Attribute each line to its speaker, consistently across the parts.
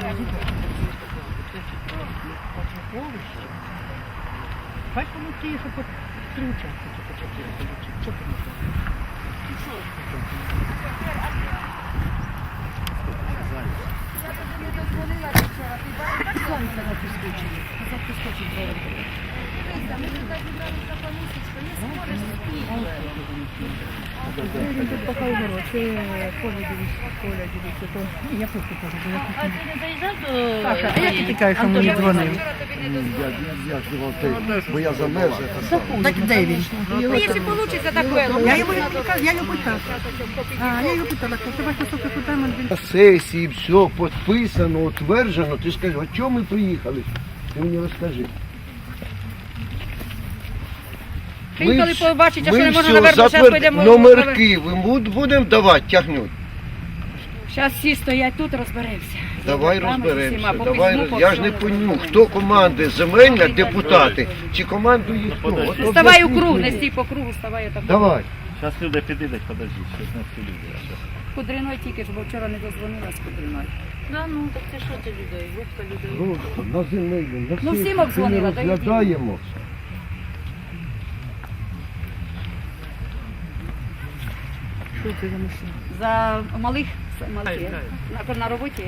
Speaker 1: Хай воно ті, що по 3 участки, по 4. Що ти не знаєш? Сонце на підскочені. Назад підскочить двоє. Тут поки город, це Коля дивиться, то я просто кажу, бо я
Speaker 2: А ти не доїжджав до...
Speaker 1: Саша, а як ти тікаєш, що мені дзвонив?
Speaker 3: Я ж думав, бо я замерз.
Speaker 1: Так де він?
Speaker 2: Ну, якщо вийде, так вийде.
Speaker 1: Я його питала. Я його питала, що тебе стосовно питаємо.
Speaker 3: На сесії все підписано, утверджено. Ти скажи, а чому ми приїхали? Ти мені розкажи.
Speaker 2: Приїхали побачити, а що не можна
Speaker 3: все
Speaker 2: наверно, зараз підемо...
Speaker 3: номерки ви будемо давати, тягнуть.
Speaker 2: Зараз всі стоять тут, розберемося.
Speaker 3: Давай
Speaker 2: З
Speaker 3: розберемося.
Speaker 2: усіма,
Speaker 3: Давай,
Speaker 2: по
Speaker 3: я ж не
Speaker 2: всьому.
Speaker 3: пойму, хто команди земельна, депутати, чи командує хто? От
Speaker 2: Ставай у
Speaker 3: об'ясніть
Speaker 2: круг, не
Speaker 3: мені.
Speaker 2: стій по кругу, ставай отак.
Speaker 3: Давай.
Speaker 4: Зараз люди підійдуть, подожди, щось не всі люди.
Speaker 2: Кудриною тільки ж, бо вчора не дозвонила з Кудриною.
Speaker 5: Да, ну так це що ти людей? Групка людей.
Speaker 3: Ну, на земельну, на
Speaker 2: Ну,
Speaker 3: всіх
Speaker 2: всім обдзвонила,
Speaker 3: ми розглядаємо.
Speaker 1: Що це за машина?
Speaker 2: За малих на роботі.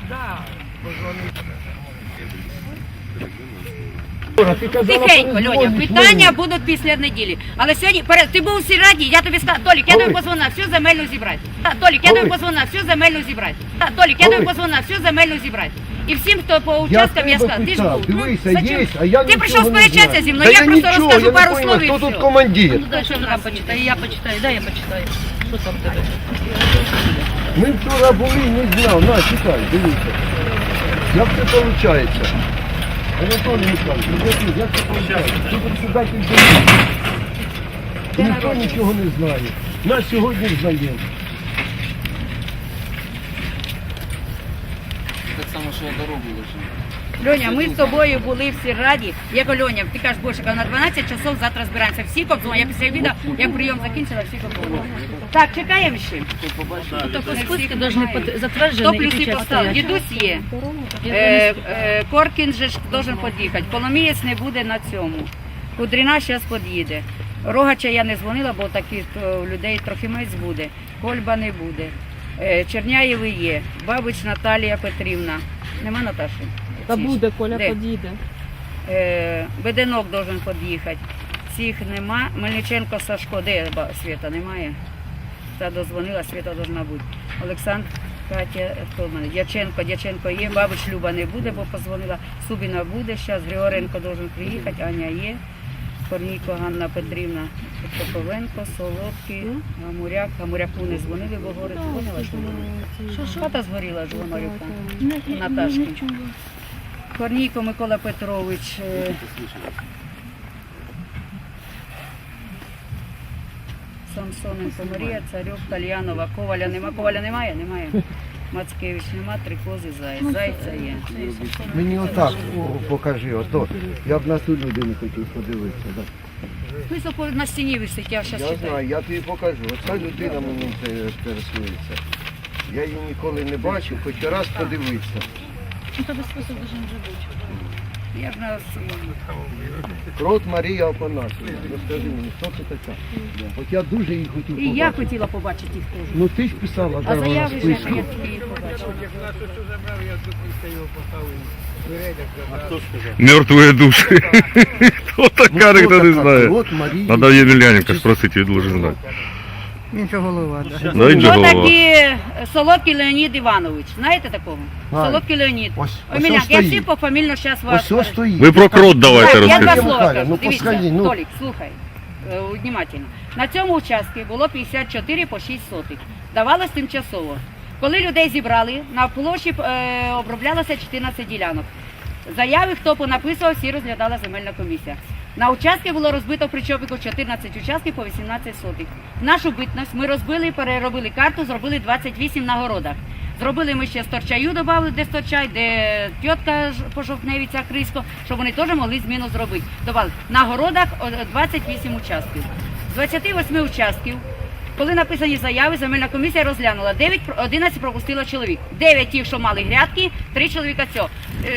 Speaker 2: Тихенько, Льоня, питання будуть після неділі. Але сьогодні, ти був у сільраді, я тобі сказав, Толік, я тобі позвонив, всю земельну зібрати. Толік, я тобі позвонив, всю земельну зібрати. Толік, я тобі позвонив, всю земельну зібрати. І всім, хто по участкам, я сказав, ти ж був.
Speaker 3: Дивися,
Speaker 2: Зачем?
Speaker 3: є, а я
Speaker 2: Ти прийшов
Speaker 3: нічого не
Speaker 2: сперечатися
Speaker 3: знаю.
Speaker 2: зі мною,
Speaker 3: Та
Speaker 2: я просто
Speaker 3: нічого,
Speaker 2: розкажу
Speaker 3: я не
Speaker 2: пару
Speaker 3: понял,
Speaker 2: слов і
Speaker 3: хто
Speaker 2: все.
Speaker 3: тут командир.
Speaker 5: Ну дай, що вона почитає, я почитаю, дай я почитаю. Що там тебе?
Speaker 3: Ми вчора були, не знав. На, читай, дивіться. Як це виходить? Анатолій Михайлович, як це виходить? Ти председатель комісії. Ніхто нічого не знає. Нас сьогодні знаємо.
Speaker 6: Так само, що я дорогу лежу.
Speaker 2: Льоня, ми з тобою були в сільраді. Я кажу, Льоня, ти кажеш, Бошика, на 12 часов завтра збираємося. Всі обдзвонили. Я після обіду, як прийом закінчила, всі обдзвонили. Так, чекаємо ще.
Speaker 5: То по списку должны
Speaker 2: Хто
Speaker 5: затверджені і
Speaker 2: плюси
Speaker 5: печать
Speaker 2: поставив?
Speaker 5: стоять.
Speaker 2: Дідусь є. Коркін же ж должен під'їхати. Коломієць не буде на цьому. Кудрина зараз під'їде. Рогача я не дзвонила, бо таких людей Трохимець буде. Кольба не буде. Черняєви є. Бабич Наталія Петрівна. Нема Наташі?
Speaker 7: Та буде, Коля
Speaker 2: Де?
Speaker 7: під'їде.
Speaker 2: Беденок должен під'їхати. Цих нема. Мельниченко Сашко, де Свята немає? Та дозвонила, Свята должна бути. Олександр, Катя, хто в мене? Дяченко є, Бабич Люба не буде, бо позвонила. Субіна буде, зараз Григоренко должен приїхати, Аня є. Корнійко Ганна Петрівна, Топовенко, Солодкий, Гамуряку не дзвонили, бо говорить, дзвонила, що хата згоріла ж Гамуряка, Наташки. Корнійко Микола Петрович, Самсоненко Марія, Царьов, Тальянова, Коваля нема, Коваля немає? Немає. Мацкевич нема, Трикози, Заєць, Зайця є.
Speaker 3: Мені отак покажи, ото. Я б на ту людину хотів подивитися. Да.
Speaker 2: Високо на стіні висить, я зараз
Speaker 3: Я
Speaker 2: читаю.
Speaker 3: знаю, я тобі покажу. Оця людина мені інтересується. Я її ніколи не бачив, хоч раз подивитися.
Speaker 5: Ну, то без список должен вже бути.
Speaker 2: Я ж на
Speaker 3: Крот Марія Опанасова. Розкажи мені, хто це така? От я дуже її хотів
Speaker 2: І
Speaker 3: побачити.
Speaker 2: я хотіла побачити їх теж.
Speaker 3: Ну ти ж писала,
Speaker 2: А
Speaker 3: де вона
Speaker 2: заяви вже,
Speaker 3: списку.
Speaker 2: я тільки їх побачила.
Speaker 8: Мертвые души. Кто такая,
Speaker 3: Ну,
Speaker 8: никто не
Speaker 3: така?
Speaker 8: знает.
Speaker 3: Крот Марія.
Speaker 8: Надо Емельяненко спросить, он должен знать.
Speaker 1: Він же голова, да.
Speaker 8: Да, он же голова.
Speaker 2: Отакі Солодкий Леонід Іванович. Знаєте такого?
Speaker 3: Знаю.
Speaker 2: Солодкий Леонід.
Speaker 3: Ось
Speaker 2: Емельян, я
Speaker 3: стоїть.
Speaker 2: всі пофамільно зараз вас...
Speaker 3: Ось ось стоїть.
Speaker 8: Вы про крот давайте
Speaker 2: Так, я два
Speaker 8: расскажите.
Speaker 2: слова
Speaker 3: Михайло,
Speaker 2: кажу.
Speaker 3: ну,
Speaker 2: Дивіться,
Speaker 3: посходи, ну.
Speaker 2: Толік, слухай, внимательно. На цьому участку було 54 по 6 сотих. Давалось тимчасово. Коли людей зібрали, на площі оброблялося 14 ділянок. Заяви, хто понаписував, всі розглядала земельна комісія. На участки було розбито в Причопіку 14 участків по 18 сотих. Нашу битність ми розбили, переробили карту, зробили 28 на городах. Зробили ми ще Сторчаю, додали, де Сторчай, де тітка Пожовтневиця, Криско, щоб вони теж могли зміну зробити. Добавили. На городах 28 участків. З 28 участків Коли написані заяви, земельна комісія розглянула. 11 пропустила чоловік. 9 ті, що мали грядки, 3 чоловіка цього.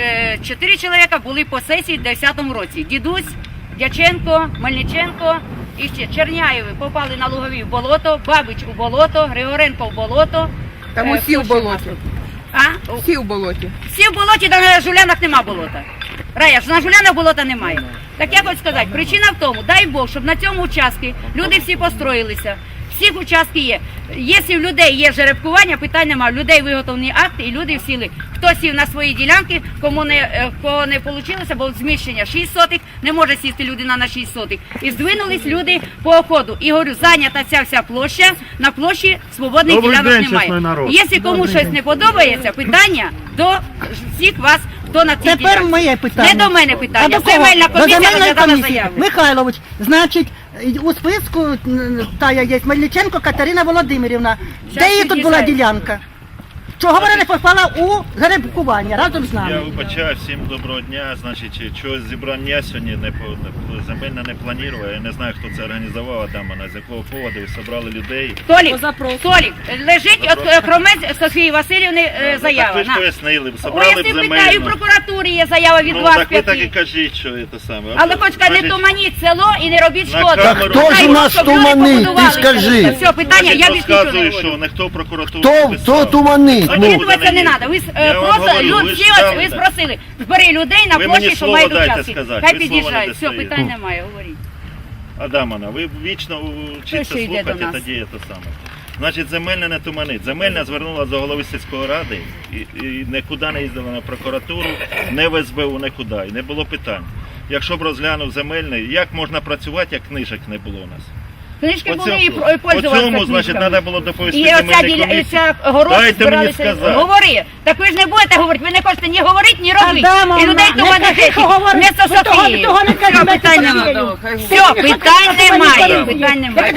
Speaker 2: 4 чоловіка були по сесії в 2010 році. Дідусь, Дяченко, Мельниченко і ще Черняєви попали на Лугові в болото, Бабич у болото, Григоренко в болото.
Speaker 7: Там усі
Speaker 2: хто
Speaker 7: в
Speaker 2: ще
Speaker 7: болоті.
Speaker 2: у нас тут? А?
Speaker 7: Всі в болоті.
Speaker 2: Всі в болоті, та на Жулянах нема болота. Рая, ж на Жулянах болота немає. Так я хочу сказати, причина в тому, дай Бог, щоб на цьому участку люди всі построїлися. Всіх участки є. Якщо в людей є жеребкування, питань немає. В людей виготовлені акти і люди сіли. Хто сів на свої ділянки, кого не вийшло, бо зміщення 6 сотих, не може сісти людина на 6 сотих. І здвинулись люди по оходу. І говорю, зайнята ця вся площа, на площі свободних
Speaker 4: Добрий
Speaker 2: ділянок
Speaker 4: день,
Speaker 2: немає.
Speaker 4: чесний народ.
Speaker 2: Якщо комусь щось не подобається, питання до всіх вас, хто на цій
Speaker 1: Тепер
Speaker 2: ділянці.
Speaker 1: моє питання.
Speaker 2: Не до мене питання.
Speaker 1: А до кого?
Speaker 2: Земельна
Speaker 1: До
Speaker 2: комісія
Speaker 1: земельної
Speaker 2: розглядала
Speaker 1: комісії.
Speaker 2: заяви.
Speaker 1: Михайлович, значить, у списку тая є Мельниченко Катерина Володимирівна. Де її тут була
Speaker 2: під'їжджаю.
Speaker 1: ділянка? Чого вона не попала у жеребкування разом з
Speaker 4: Я
Speaker 1: нами?
Speaker 4: вибачаю, всім доброго дня. Значить, чогось зібрання сьогодні земельно не планував. Я не знаю, хто це організував, Адамана, з якого поводу ви зібрали людей.
Speaker 2: Толік, лежить от Хромець Софії Васильівни
Speaker 4: Так
Speaker 2: заява.
Speaker 4: ви ж
Speaker 2: На.
Speaker 4: пояснили,
Speaker 2: Ой,
Speaker 4: зібрали
Speaker 2: я
Speaker 4: б
Speaker 2: всі питаю, і в
Speaker 4: земельно.
Speaker 2: прокуратурі є заява від
Speaker 4: Ну
Speaker 2: вас
Speaker 4: так ви так і
Speaker 2: 5.
Speaker 4: кажіть, що це саме.
Speaker 2: Але хоч не
Speaker 4: Значить,
Speaker 2: туманіть село і не робіть
Speaker 4: На
Speaker 2: шкоду.
Speaker 4: камеру.
Speaker 3: Хто ж
Speaker 2: Хай,
Speaker 3: у нас
Speaker 2: щоб люди
Speaker 3: туманить, ти
Speaker 2: побудувалися.
Speaker 3: скажи?
Speaker 2: Все, питання, я більш нічого не
Speaker 4: розказую, що
Speaker 2: говорю.
Speaker 4: ніхто в прокуратуру
Speaker 3: Хто туманить? Ну,
Speaker 2: Об'єднуватися не треба. Ви
Speaker 4: Я вам
Speaker 2: просто
Speaker 4: говорю, ви
Speaker 2: всі
Speaker 4: ж
Speaker 2: ось
Speaker 4: там,
Speaker 2: ви
Speaker 4: да.
Speaker 2: спросили. Збери людей на
Speaker 4: Ви
Speaker 2: площі,
Speaker 4: мені
Speaker 2: що
Speaker 4: слово
Speaker 2: мають
Speaker 4: дайте
Speaker 2: участки.
Speaker 4: сказати,
Speaker 2: Хай
Speaker 4: ви слово
Speaker 2: під'їжджають.
Speaker 4: не
Speaker 2: Все,
Speaker 4: даєте.
Speaker 2: питань немає, говоріть.
Speaker 4: Адамана, ви вічно вчиться
Speaker 2: Хто ще йде до
Speaker 4: слухати,
Speaker 2: нас?
Speaker 4: тоді це саме. Значить, земельна не туманить. Земельна звернулася до голови сільської ради і нікуди не їздила на прокуратуру, не в СБУ, нікуди. І не було питань. Якщо б розглянув земельний, як можна працювати, як книжок не було у нас?
Speaker 2: Книжки були і
Speaker 4: По
Speaker 2: пользувалися
Speaker 4: цьому, значить,
Speaker 2: книжками.
Speaker 4: треба було доповісти
Speaker 2: І оця
Speaker 4: земельній комісії.
Speaker 2: ця город
Speaker 4: Дайте мені
Speaker 2: збиралися.
Speaker 4: сказати.
Speaker 2: Говори. Так ви ж не будете говорити, ви не хочете ні говорити, ні робити.
Speaker 1: Адамовна,
Speaker 2: І людей
Speaker 1: не
Speaker 2: того
Speaker 1: кажи,
Speaker 2: не
Speaker 1: що говорить.
Speaker 2: Вместо
Speaker 1: Ви того-
Speaker 2: Софії.
Speaker 1: того не кажи,
Speaker 2: Все,
Speaker 1: вместо
Speaker 2: питань
Speaker 1: Софії.
Speaker 2: немає.
Speaker 7: Хай
Speaker 2: Все, питань немає. Питань немає.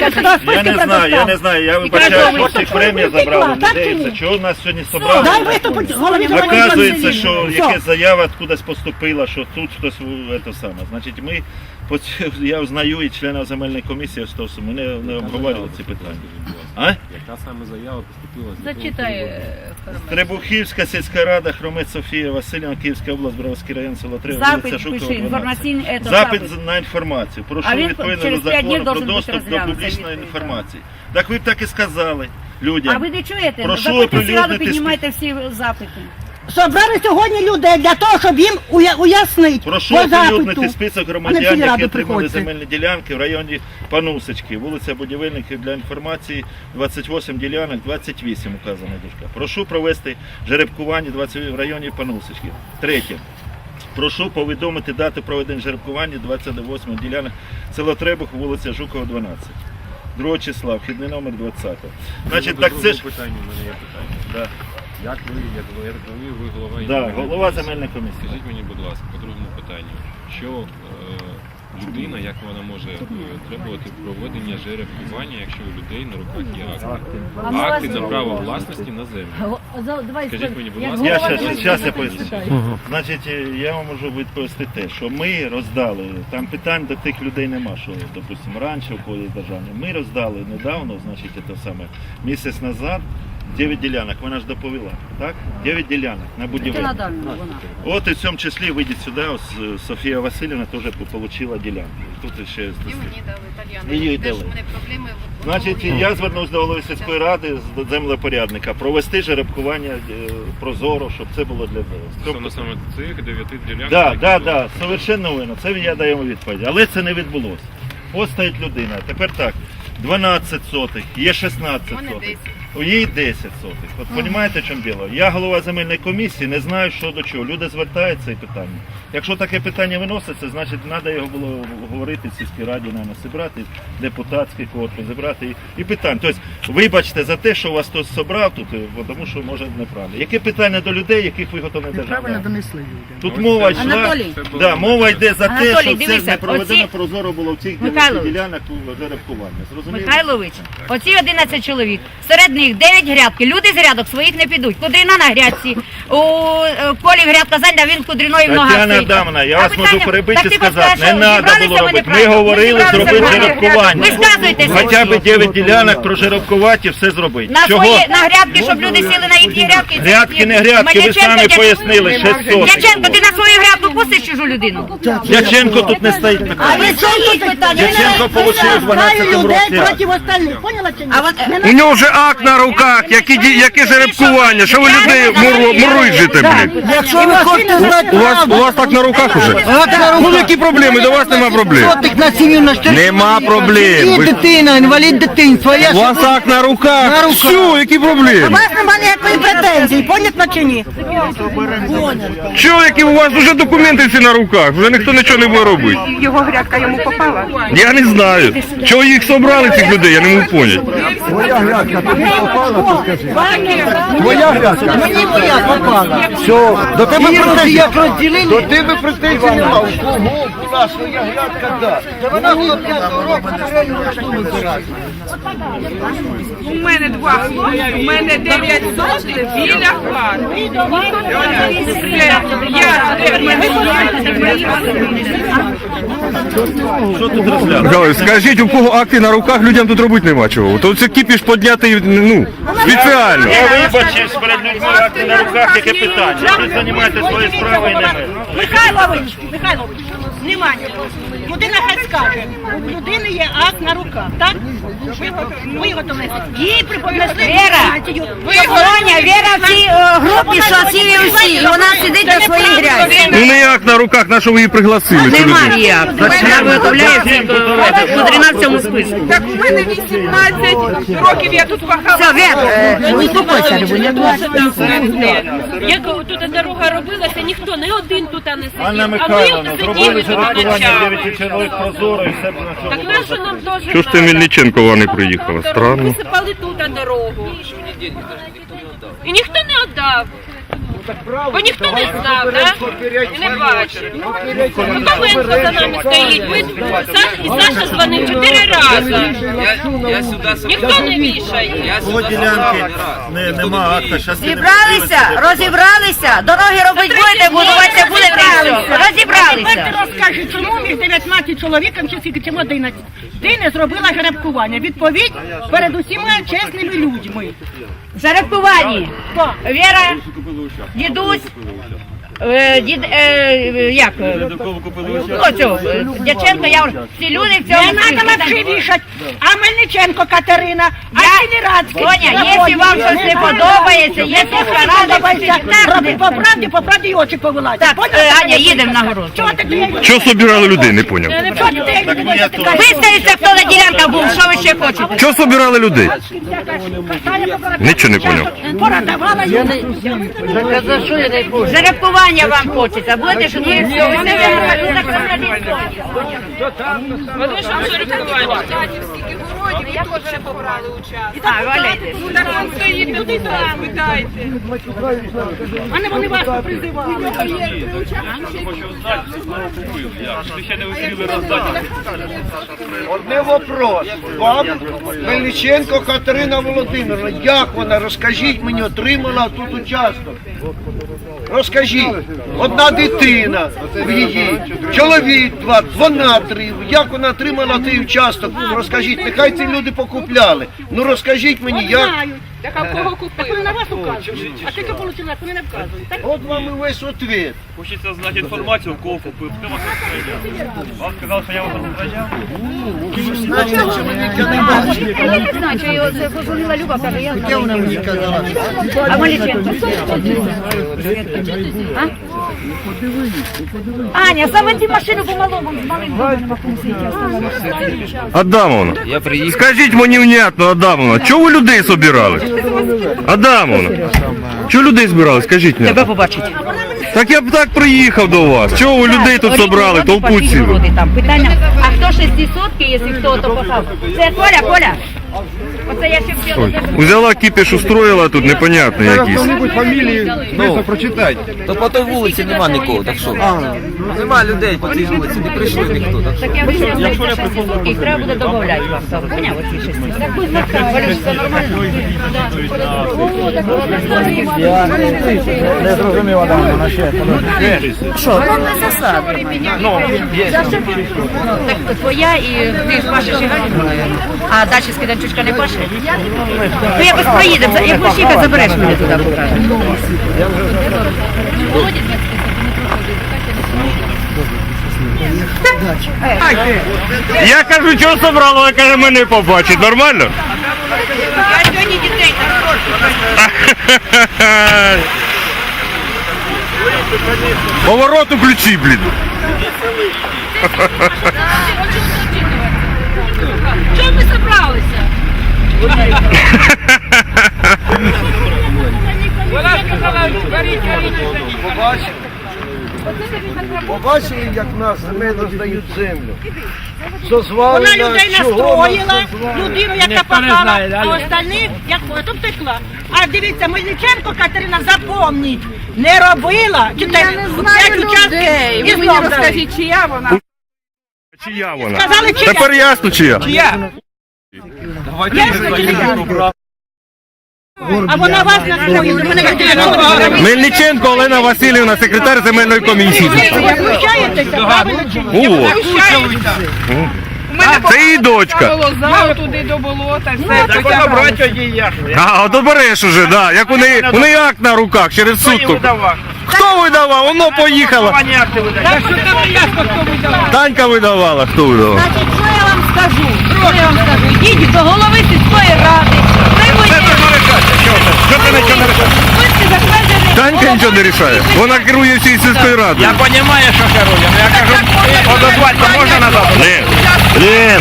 Speaker 4: Я не знаю, я вибачаю, що всіх премія забрали людей. Це чого нас сьогодні собрали?
Speaker 1: Дай виступить голові
Speaker 4: Оказується, що
Speaker 1: Все.
Speaker 4: якась заява кудись поступила, що тут хтось це саме. Значить, я узнаю і членів земельної комісії, що ми не обговорювали ці питання. А?
Speaker 6: Яка саме заява поступила?
Speaker 5: Зачитай.
Speaker 4: Требухівська сільська рада, Хромець Софія Васильівна, Київська область, Броварський район, село Три,
Speaker 2: Запит
Speaker 4: вулиця Жукова,
Speaker 2: пиши,
Speaker 4: 12.
Speaker 2: інформаційний
Speaker 4: Запит на інформацію. Прошу
Speaker 2: А він
Speaker 4: відповідно
Speaker 2: через
Speaker 4: до
Speaker 2: 5 днів
Speaker 4: закону про
Speaker 2: должен бути
Speaker 4: доступ до
Speaker 2: розглянутий,
Speaker 4: публічної
Speaker 2: відповідь,
Speaker 4: інформації. Так ви б так і сказали людям.
Speaker 2: А ви не чуєте?
Speaker 4: Прошу
Speaker 2: Заходьте в сільраду,
Speaker 4: оприлюднити
Speaker 2: піднімайте всі запити.
Speaker 1: Собрали сьогодні людей для того, щоб їм уяснити
Speaker 4: Прошу
Speaker 1: по запиту.
Speaker 4: оприлюднити список
Speaker 1: А не
Speaker 4: громадян,
Speaker 1: в сільраду
Speaker 4: які отримали
Speaker 1: приходьте.
Speaker 4: земельні ділянки в районі Панусочки, вулиця Будівельників для інформації, 28 ділянок, 28 указана дужка. Прошу провести жеребкування 20 в районі Панусочки. Третє. Прошу повідомити дату проведення жеребкування 28 ділянок село Требух, вулиця Жукова, 12. 2 числа, вхідний номер 20. Значить, так це ж...
Speaker 6: питання, у мене є питання.
Speaker 4: Да.
Speaker 6: Як ви, я так розумію, ви голова
Speaker 4: Да,
Speaker 6: земельної
Speaker 4: голова
Speaker 6: комісії.
Speaker 4: земельної комісії.
Speaker 6: Скажіть мені, будь ласка, по другому питанню, що людина, як вона може требувати проведення жеребкування, якщо у людей на руках є акти? Акти на право власності на землю. Скажіть мені, будь ласка.
Speaker 4: Зараз я поясню. Значить, я вам можу відповісти те, що ми роздали, там питань до тих людей нема, що, допустимо, раніше у когось державні. Ми роздали недавно, значить, це саме, місяць назад, 9 ділянок, вона ж доповіла, так? 9 ділянок на будівлі. От і в цьому числі вийдіть сюди, ось Софія Васильівна теж отримала ділянку. Тут ще її дали. Значить, я звернувся до голови сільської ради, з землепорядника, провести жеребкування прозоро, щоб це було для
Speaker 6: Стосовно саме цих 9 ділянок?
Speaker 4: Так, совершенно вірно, це я даю відповідь. Але це не відбулося. Ось стоїть людина, тепер так, 12 сотих, є 16 сотих. У її 10 сотих. От розумієте, в чому діло? Я голова земельної комісії, не знаю, що до чого. Люди звертаються і питання. Якщо таке питання виноситься, значить треба його було говорити в сільській раді, наверное, зібрати, депутатський корпус, зібрати і питання. Тобто, вибачте за те, що вас хтось зібрав тут, тому що може неправильно. Яке питання до людей, яких виготовлено держава?
Speaker 1: Неправильно донесли людям.
Speaker 4: Тут мова йшла,
Speaker 2: Анатолій.
Speaker 4: да, мова йде за те,
Speaker 2: Анатолій,
Speaker 4: що це
Speaker 2: дивися,
Speaker 4: не проведено
Speaker 2: оці-
Speaker 4: прозоро було в цих
Speaker 2: Михайлович.
Speaker 4: ділянок жеребкування. Зрозуміло?
Speaker 2: Михайлович, оці 11 чоловік, серед них 9 грядки, люди з грядок своїх не підуть. Кудрина на грядці, у полі грядка зайда, він кудриною в ногах
Speaker 4: Тетяна
Speaker 2: стоїть.
Speaker 4: Адамовна, я
Speaker 2: А
Speaker 4: вас можу
Speaker 2: питання-
Speaker 4: перебити
Speaker 2: так
Speaker 4: і
Speaker 2: ти
Speaker 4: сказати,
Speaker 2: розкажеш,
Speaker 4: не
Speaker 2: що
Speaker 4: треба
Speaker 2: зібралися
Speaker 4: було
Speaker 2: вони
Speaker 4: робити. Ми
Speaker 2: правильно?
Speaker 4: говорили
Speaker 2: Зібралися
Speaker 4: зробити
Speaker 2: вони
Speaker 4: жеребкування.
Speaker 2: Висказуйтесь.
Speaker 4: Хоча б 9 ділянок прожеребкувати і все зробити.
Speaker 2: На
Speaker 4: Чого?
Speaker 2: свої, на грядки, щоб люди сіли на їхні грядки.
Speaker 4: Грядки не грядки, ви самі пояснили, 600.
Speaker 2: Дяченко, ти на свою грядку пустиш чужу людину?
Speaker 4: Дяченко тут не стоїть
Speaker 1: А
Speaker 4: питання.
Speaker 1: ви що тут питання?
Speaker 4: Дяченко получив в 12-му
Speaker 1: людей
Speaker 4: році.
Speaker 1: проти остальних, поняла чи ні?
Speaker 2: А от
Speaker 8: У нього вже акт на руках, яке жеребкування. Що ви людей муруйжите, блін?
Speaker 1: Якщо ви хочете знати
Speaker 8: У вас так на руках уже? Ну які проблеми? До вас нема проблем.
Speaker 1: на сім'ю на штирку.
Speaker 8: Нема проблем.
Speaker 1: І
Speaker 8: Ви-
Speaker 1: дитина, інвалід дитинства.
Speaker 8: У вас акт на руках. Все, які
Speaker 1: У
Speaker 8: проблеми?
Speaker 1: вас немає ніякої претензії, понятно чи ні?
Speaker 8: Чого, які у вас вже документи всі на руках? Вже ніхто нічого не буде робити.
Speaker 7: Його грядка йому попала.
Speaker 8: Я не знаю. Чого їх собрали, цих людей, я не можу поняти.
Speaker 3: Твоя грядка тобі попала, то скажи. Твоя грядка.
Speaker 1: Мені моя попала.
Speaker 3: Все, до тебе
Speaker 1: Як
Speaker 3: претензій.
Speaker 1: розділили?
Speaker 3: До тебе претензій нема. У кого була своя грядка, да.
Speaker 1: Вона було 5 років, вибирати.
Speaker 7: У мене 2 хлопці, у мене 9 сотень біля хати.
Speaker 4: Що тут розглядати?
Speaker 8: Михайло, скажіть, у кого акти на руках, людям тут робити нема чого. То це кіпіш піднятий, ну, спеціально.
Speaker 4: Я вибачився перед людьми, акти на руках, яке питання. Ви займаєтеся своєю справою і не ми.
Speaker 1: Михайлович, внимание. Людина хай скаже, у людини є акт на руках, так? Виготовили. Їй принесли
Speaker 2: Віра, Соня, Віра в цій групі, що сіли усі, і вона сидить на своїй грязі.
Speaker 8: Ну не акт на руках, на що ви її пригласили, цю людину?
Speaker 2: Немає як. Вона виготовляє по 13 списку.
Speaker 7: Так у мене 18 років я тут пахала.
Speaker 2: Все, Віра, успокойся, Любоня.
Speaker 5: Як тут дорога робилася, ніхто, не один тут не сидів.
Speaker 4: Анна
Speaker 5: А ми
Speaker 4: Михайловна, зробили
Speaker 5: сиділи,
Speaker 4: жеребкування 9 чоловік прозоро і все б на
Speaker 5: Так
Speaker 4: чому.
Speaker 5: нащо нам теж
Speaker 8: Чого ж ти Мельниченкова не приїхала? Странно.
Speaker 5: Висипали тут дорогу. І ніхто не віддав. Бо ніхто не знав, так? І не бачив. Ковенко за нами стоїть. І Саша дзвонив 4 рази. Ніхто не вішає.
Speaker 4: По ділянки нема акта, зараз
Speaker 2: Зібралися, розібралися, дороги робити будете, будувати будете, і все. Розібралися.
Speaker 1: Ти розкажи, чому між 19 чоловіком чи скільки, чим 11? Ти не зробила жеребкування. Відповідь перед усіма чесними людьми.
Speaker 2: Жеребкувані.
Speaker 1: Хто?
Speaker 2: Віра, дідусь, як? Оцю, Дяченко, я вже. Ці люди в цьому...
Speaker 1: Не треба вообще вішати. А Мельниченко Катерина, а Сінерацький.
Speaker 2: Соня, якщо вам щось не подобається, якщо
Speaker 1: подобається, роби по правді і очі повилазять.
Speaker 2: Так, Аня, їдемо на город.
Speaker 1: Чого ти клеїш?
Speaker 8: Чого собирали людей, не поняв.
Speaker 1: Чого ти клеїш?
Speaker 2: Виставиться, хто на ділянках був, що ви ще хочете?
Speaker 8: Чого собирали людей? Нічого не поняв.
Speaker 1: Порадавала йому.
Speaker 2: Жеребкування вам хочеться, будете що ви все, ви не
Speaker 7: Вони ж жеребкування. Скільки городів, я теж побрали участь.
Speaker 2: А, валяйте.
Speaker 7: Так он стоїть, туди там, питайте.
Speaker 1: А не вони вас призивали.
Speaker 3: Одне вопрос. Вам Мельниченко Катерина Володимировна, як вона, розкажіть мені, отримала тут участок? Розкажіть. Одна дитина в її, чоловік 2, вона 3. Як вона отримала цей участок? Розкажіть, нехай ці люди покупляли. Ну розкажіть мені, як?
Speaker 7: Так а в кого купили?
Speaker 1: Вони на вас указують. А тільки отримали, вони не вказують. Так?
Speaker 3: От вам і весь ответ.
Speaker 9: Хочеться знати інформацію, кого купив. Хто вас розстріляв? Вам сказав, що я вас розстріляв?
Speaker 2: Я не знаю, що його це позвонила Люба, каже, я знаю.
Speaker 1: Вона мені казала.
Speaker 2: А Маліченко? Аня, саме ті машину помалому, з малим нема кому світі.
Speaker 8: Адамовна, скажіть мені внятно, Адамовна, чого ви людей собирали? Адамовна, чого людей збирали, скажіть мені.
Speaker 2: Тебе побачить.
Speaker 8: Так я б так приїхав до вас. Чого ви людей тут собрали, толпу цілу?
Speaker 2: Питання, а хто 600, якщо хто то пахав? Це Коля, Коля? Оце я ще хотіла.
Speaker 8: Ой, взяла кіпіш, устроїла тут, непонятно якісь.
Speaker 3: Фамілії швидко прочитайте.
Speaker 10: То по той вулиці нема нікого, так що? Нема людей по цій вулиці, не прийшли ніхто. Так що?
Speaker 2: Так я вийшла, що 6 суток, треба буде додавати вам. Поняв оці 6 суток? Так будь ласка, Валюш, це нормально?
Speaker 9: Не зрозумів, Адам, вона ще.
Speaker 2: Що? Там не засади. Так твоя і ти ж пашеш і Галіна, мабуть. А далі Скиданчучка не паше? Ну якось проїдемо, як будеш їхати, забереш мене туди поки.
Speaker 8: Я кажу, чого собрала, вона каже, мене побачить. Нормально?
Speaker 1: Я сьогодні дітей на
Speaker 8: Поворот у ключі, блін.
Speaker 5: Чого ми зібралися?
Speaker 7: Вона сказала, беріть.
Speaker 3: Побачили, як нас земельно здають землю. Созвали
Speaker 1: Вона
Speaker 3: нас,
Speaker 1: людей
Speaker 3: чого нас
Speaker 1: настроїла,
Speaker 3: созвали?
Speaker 1: людину, яка попала, а остальних, як то втекла. А дивіться, Мельниченко Катерина, запомніть, не робила,
Speaker 7: Я не знаю людей.
Speaker 1: і
Speaker 7: Ви мені
Speaker 1: знов дали.
Speaker 7: розкажіть, чия вона?
Speaker 8: Чия вона?
Speaker 1: Сказали, чия.
Speaker 8: Тепер ясно, чия.
Speaker 7: Чия?
Speaker 1: Ясно, чия. А вона вас настроїла, мене Катерина.
Speaker 8: Мельниченко Олена Васильівна, секретар земельної комісії.
Speaker 1: Ви знущаєтеся, правильно чи ні?
Speaker 8: О,
Speaker 7: У мене
Speaker 8: це її дочка.
Speaker 7: болоза, туди до болота, все.
Speaker 9: Так вона браття її як.
Speaker 8: А, от береш уже, да. Як у неї акт на руках через суд. тут. Хто видавав? Воно поїхало.
Speaker 1: Так що там ясно, хто видавав.
Speaker 8: Танька видавала, хто видавав?
Speaker 1: Значить, що я вам скажу? Що я вам скажу? Йдіть до голови сільської ради.
Speaker 9: Що ти нічого не рішаєш?
Speaker 1: Будьте затверджені.
Speaker 8: Танька нічого не рішає. Вона керує всією сільською радою.
Speaker 9: Я розумію, що керує, але я кажу, одозвати можна назад?
Speaker 8: Лен.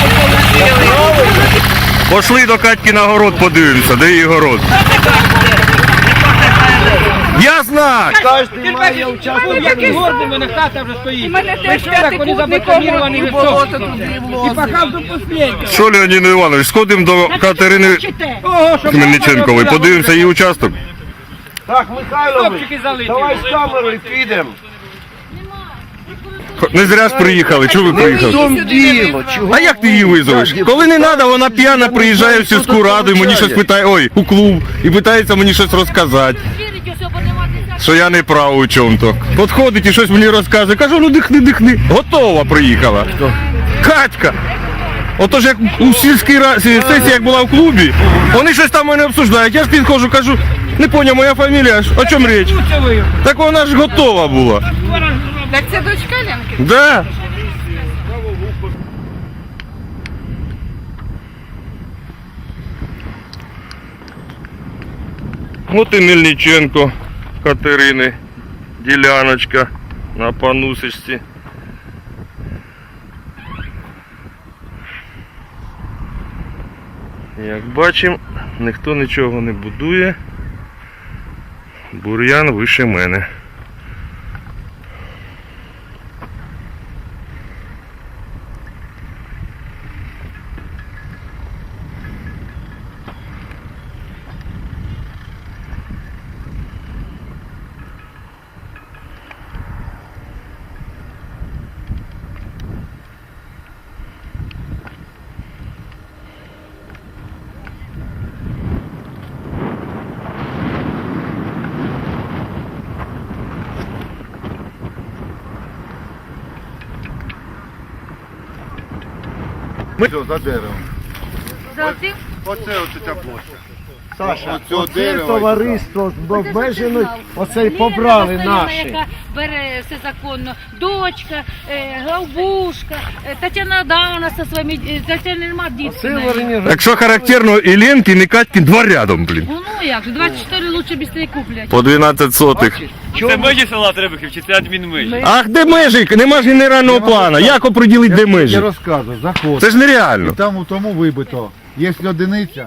Speaker 8: Пошли до Катьки на город подивимося, де її город. Я знаю.
Speaker 3: Кожен має участвувати.
Speaker 9: Який гордий мене хата вже стоїть.
Speaker 7: У мене теж п'ятикутником і болото туди влозить.
Speaker 9: Пахав до останнього.
Speaker 8: Що, Леонід Іванович, сходимо до Катерини Хмельниченкової, подивимося її участок.
Speaker 3: Так, Михайлович,
Speaker 9: Хлопчики залиті.
Speaker 3: давай з камерою підемо.
Speaker 8: Не зря ж приїхали, чого ви
Speaker 3: В
Speaker 8: приїхали?
Speaker 3: тому діло, чого?
Speaker 8: А як ти її визовеш? Коли не треба, вона п'яна приїжджає в сільську раду і мені щось питає, ой, у клуб, і питається мені щось розказати. Що я не прав у чому-то. Підходить і щось мені розказує. Кажу, ну дихни. Готова приїхала. Катька. Отож, як у сільській сесії, як була в клубі, вони щось там мене обсуждають. Я ж підходжу, кажу, не поняв, моя фамілія, о чому річ? Так вона ж готова була.
Speaker 7: Так це дочка Ленки?
Speaker 8: Да. От і Мельниченко Катерини, діляночка на Панусичці. Як бачимо, ніхто нічого не будує. Бур'ян вище мене.
Speaker 3: За деревом. Оце ця площа. Саша, оце товариство з обмеженою, оце й побрали наші.
Speaker 5: Яка бере все законно. Дочка, Главбушка, Тетяна Адамовна зі своїми, Тетяна нема дітей.
Speaker 8: Так що характерно, і Ленки, і Катьки два рядом, блін.
Speaker 5: Ну як же, 24 лучше быстрее куплять.
Speaker 8: По 12 сотих.
Speaker 9: Це межі села Требухів, чи це адмінмежі?
Speaker 8: Ах, де межі? Нема ж генерального плану. Як оприділити, де межі?
Speaker 11: Я розказую, заходь.
Speaker 8: Це ж нереально.
Speaker 11: Там у тому вибито. Є одиниця.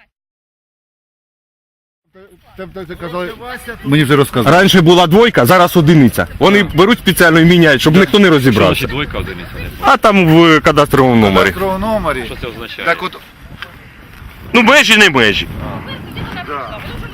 Speaker 11: Ти казали, мені вже розказали.
Speaker 8: Раніше була двойка, зараз одиниця. Вони беруть спеціально і міняють, щоб ніхто не розібрався.
Speaker 6: Двойка одиниця.
Speaker 8: А там в кадастровому номері.
Speaker 11: В номері.
Speaker 6: Що це означає?
Speaker 11: Так от,
Speaker 8: Ну межі не межі.